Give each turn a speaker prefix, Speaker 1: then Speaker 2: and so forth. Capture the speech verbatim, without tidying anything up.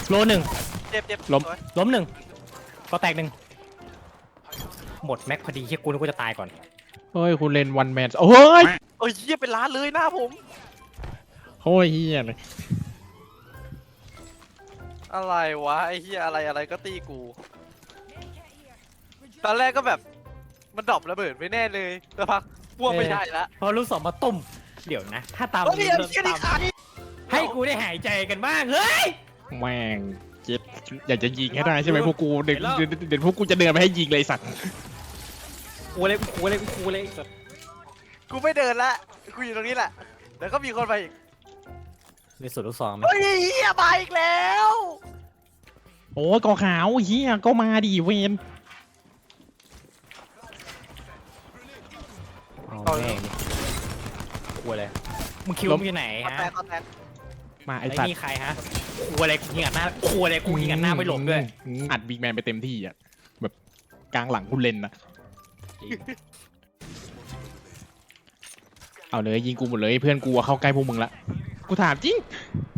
Speaker 1: โลหนึ่ง
Speaker 2: เจ็บเจ็บ
Speaker 1: ล้ม
Speaker 2: สวย
Speaker 1: ล้มหนึ่งก็แตกหนึ่งหมดแม็กพอดีเฮียกูนึกว่าจะตายก่อน
Speaker 3: เฮ้ยคุณเล่นวันแมนโอ้ย
Speaker 2: เอ้ยเหี้ยเป็นล้านเลยหน้าผม
Speaker 3: โอ้ยเฮียเลย
Speaker 2: อะไรวะไอ้เหี้ยอะไรอะไรก็ตีกูตอนแรกก็แบบมันดรอประเบิดไม่แน่เลยแต่พักพวกไม่ได้ละ
Speaker 1: พอลูกสองมาตุ่มเดี๋ยวนะ ถ้าตาม
Speaker 2: เฮ้ย
Speaker 1: นี้
Speaker 2: ไอ้
Speaker 1: เริ่ม
Speaker 2: เหี้ยนี่
Speaker 1: ตาม
Speaker 2: ขาด
Speaker 1: ให้กูได้หายใจกันบ้างเฮ้ย
Speaker 3: แม่งเจ็บอยากจะยิงให้ได้ใช่ไหมพวกกูเดี๋ยว
Speaker 1: เห็นแล้ว
Speaker 3: เดี๋ยวเดี๋ยวพวกกูจะเดินไปให้ยิงเลยสัตว์
Speaker 1: กูเลยกูเลยกูเลย
Speaker 2: กูไม่เดินละกูอยู่ตรงนี้แหละแล้วก็มีคนไปอีก
Speaker 1: มีสุดลูกสองไหม
Speaker 2: เฮ้ยเหี้ยมาอีกแล้ว
Speaker 3: โอ้ยกอขาวเฮียก็มาดิเวน
Speaker 1: เอาแม่งดิกูเลยมึงคิดว่ามึงอยู่ไหน
Speaker 2: คอน
Speaker 1: ฮะ
Speaker 2: แทนคอนแทน
Speaker 3: มาไอ
Speaker 1: ไอ้
Speaker 3: สัตว์
Speaker 1: นี่ใครฮะกูอะไรกูยิงอัดหน้ากูอะไรกูยิงอัดหน้าไม่หลงด้วย
Speaker 3: อืมอัดบิ๊กแมนไปเต็มที่อ่ะแบบกลางหลังคุณเล่นนะเอาเลยยิงกูหมดเลยเพื่อนกูอะเข้าใกล้พวกมึงละกูถามจริง